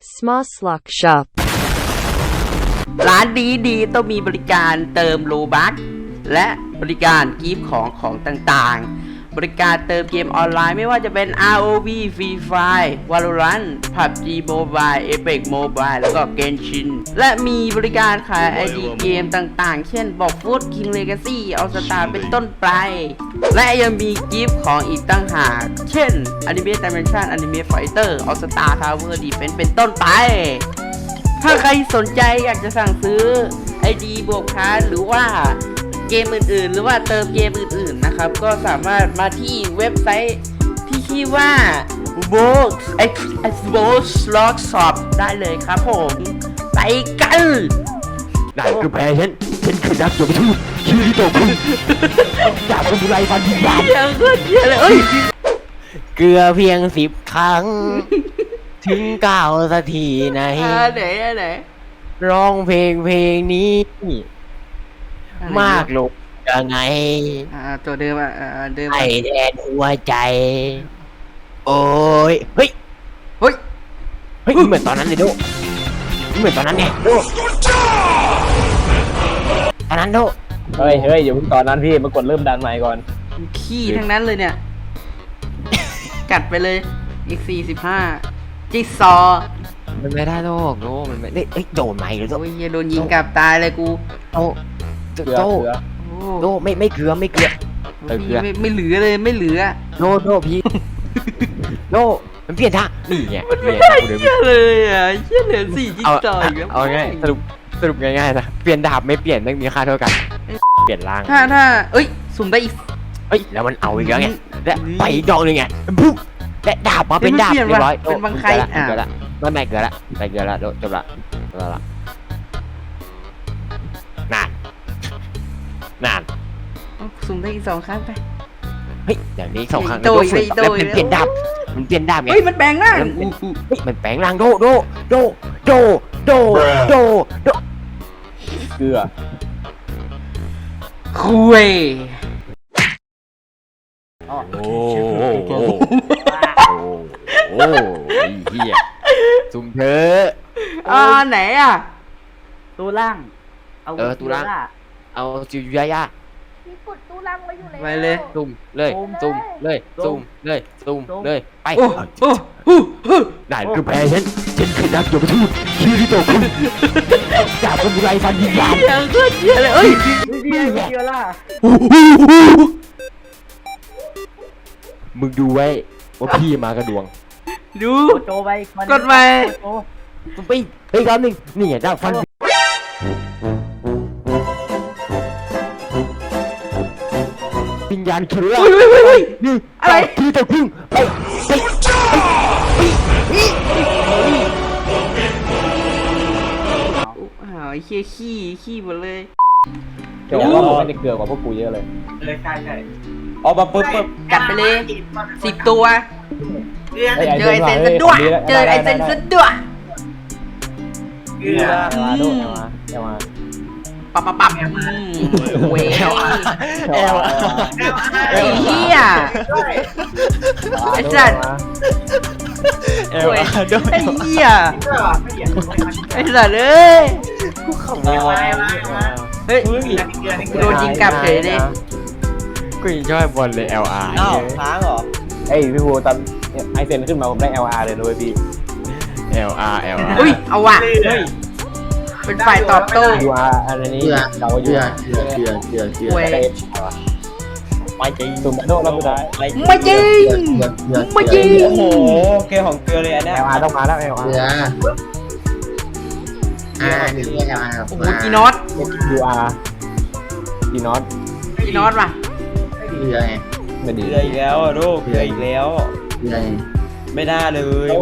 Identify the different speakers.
Speaker 1: Small Slug Shop
Speaker 2: ร้านดีต้องมีบริการเติมโลบัคและบริการกิฟต์ของต่างๆบริการเติมเกมออนไลน์ไม่ว่าจะเป็น ROV Free Fire Valorant PUBG Mobile Apex Mobile แล้วก็ Genshin และมีบริการขาย ID เกมต่างๆเช่นบอกฟุต King Legacy All Star เป็นต้นไปและยังมีกิฟต์ของอีกตั้งหากเช่น Anime Dimension Anime Fighter All Star Tower Defense เป็นต้นไปถ้าใครสนใจอยากจะสั่งซื้อ ID บวกพาร์ทหรือว่าเกมอื่นๆหรือว่าเติมเกมอื่นๆนะครับก็สามารถมาที่เว็บไซต์ที่ชื่อว่า Box Log Shop ได้เลยครับผมไปกัน
Speaker 3: นั่นคือแพ้ฉันคือนักโจมทูตชื่อที่โตคุณจากสมุไรฟันดินบาน
Speaker 2: เยอะขึ้นเยอะเลยเอ้ย
Speaker 3: เกลือเพียง10 ครั้ง ถึง9 สักทีไหน
Speaker 2: ไหน
Speaker 3: ร้องเพลงนี้ มากลงยังไง
Speaker 2: ตัวเดิมเดิม
Speaker 3: ไอแดนหัวใจ โอ้ยเฮ้ย
Speaker 2: เฮ้ย
Speaker 3: เหมือนตอนนั้นเลยโดเหมือนตอนนั้นไงโดตอนนั้นโด
Speaker 4: เฮ้ยอย่าเพิ่งตอนนั้นพี่มากดเริ่มดันใหม่ก่อน
Speaker 2: ขี้ทั้งนั้นเลยเนี่ย กัดไปเลยอีก45จิ๊กซอ
Speaker 3: มันไม่ได้โดมันไม่ได้โดนไหมหรือโด
Speaker 2: โอ้ยโดนยิงกลับตายเลยกู
Speaker 3: โด
Speaker 4: เกลือ
Speaker 3: โด
Speaker 2: โอ้
Speaker 3: โดไม่เกลือไม่เกลือ
Speaker 2: ไม่เหลือเลยไม่เหลือ
Speaker 3: โดพี่ โดมันเปลี่ยนท่านี่ไง
Speaker 2: ไม่ได้เหี้ยเลยอ่ะเหี้ยเหลือ4จิ๊ก
Speaker 3: เอา
Speaker 2: ซออีกแล้ว
Speaker 3: เอาง่ายสรุปง่ายๆนะเปลี่ยนดาบไม่เปลี่ยนไม่มีค่าเท่ากันเปลี่ยนร่าง
Speaker 2: ถ้าเอ้ยสุ่มได้อีก
Speaker 3: เฮ้ยแล้วมันเอาอีกแล้วไงและไปอีกดอกหนึงไงปุ๊บและดาบมาเป็นดาบเรียบร้อย
Speaker 2: เป็นบางใคร
Speaker 3: เกิดละไม่เกิดละจบละนาน
Speaker 2: สุ่มได้อีก2 ครั้งไป
Speaker 3: เฮ้ยอย่างนี้2 ครั้ง
Speaker 2: โดย
Speaker 3: แล้วมันเปลี่ยนดาบไง
Speaker 2: เฮ้ยมันแปลงร่าง
Speaker 3: เฮ้ยมันแปลงร่างโด
Speaker 4: เกลือ
Speaker 2: คุย
Speaker 3: โอ้เหี้ยสุ่มเธอ
Speaker 2: ไหนอ่ะ
Speaker 5: ตู้ล่าง
Speaker 3: ตู้ล่าง เอาจิวยายา
Speaker 6: มีกดตู้ล่างไว้อยู่แล้ว
Speaker 2: ไปเลย
Speaker 3: ซุ่มเลยไป
Speaker 2: โอ้โห
Speaker 3: ได้คือแพ้ฉันคือนักโจมทูตชื่อที่โตคุณจากสมุไรฟันดินบาน
Speaker 2: เหี้ยโคตรเหี้ยเลยเอ้ย
Speaker 5: เดียวล่ะ
Speaker 3: มึงดูไว้ว่าพี่มากระดวง
Speaker 2: ดู
Speaker 5: โจไป
Speaker 2: กดไป
Speaker 3: ไปคำหนึ่งนี่ไงดาบฟันวิญญาณเชื้อ
Speaker 2: เฮ้ย
Speaker 3: นี่
Speaker 2: อะไร
Speaker 3: ที่โตคุณไป
Speaker 2: ไอ้เหี้ยขี้หมดเลย
Speaker 4: เดี๋ยวว่าไม่ได้เกลือกว่าพวกกูเยอะเลยใช่เอามาปุ๊บ
Speaker 2: กัดไปเลย10 ตัว เจอไอเซนซะด้วย
Speaker 4: เกลือมาดูเอามา
Speaker 2: ปับเว้ยไอ้เหี้ย ไอ้สัตว์ เว้ยไอ้เหี้ยไอ้สัตว์เอ้ยเฮ้ยโดนยิงกลับเฉยเลย
Speaker 3: กูยังชอบบอลเลย LR
Speaker 4: ค้างเหรอเอ้ยพี่ภูตอนไอเซนขึ้นมาผมได้ LR เลยด้วยพี่
Speaker 3: LR
Speaker 2: อุ้ยเอาว่ะเป็นฝ่ายตอบโต้
Speaker 4: UR อันนี้เราอยู่
Speaker 2: เว้ย
Speaker 4: ไม่จริงตุ่มโดนเราไม่ได้
Speaker 2: ไม่จริง
Speaker 4: โอ้โหเกมของเกลือเลยอันนี้ LR ต้องมาแล้ว LR
Speaker 2: โอ้โหจีน็อต
Speaker 4: UR จีน็อต
Speaker 2: ว่ะ
Speaker 4: ไม่ดีเกลืออีกแล้วลูกเกลืออีกแล้วไม่ได้เลย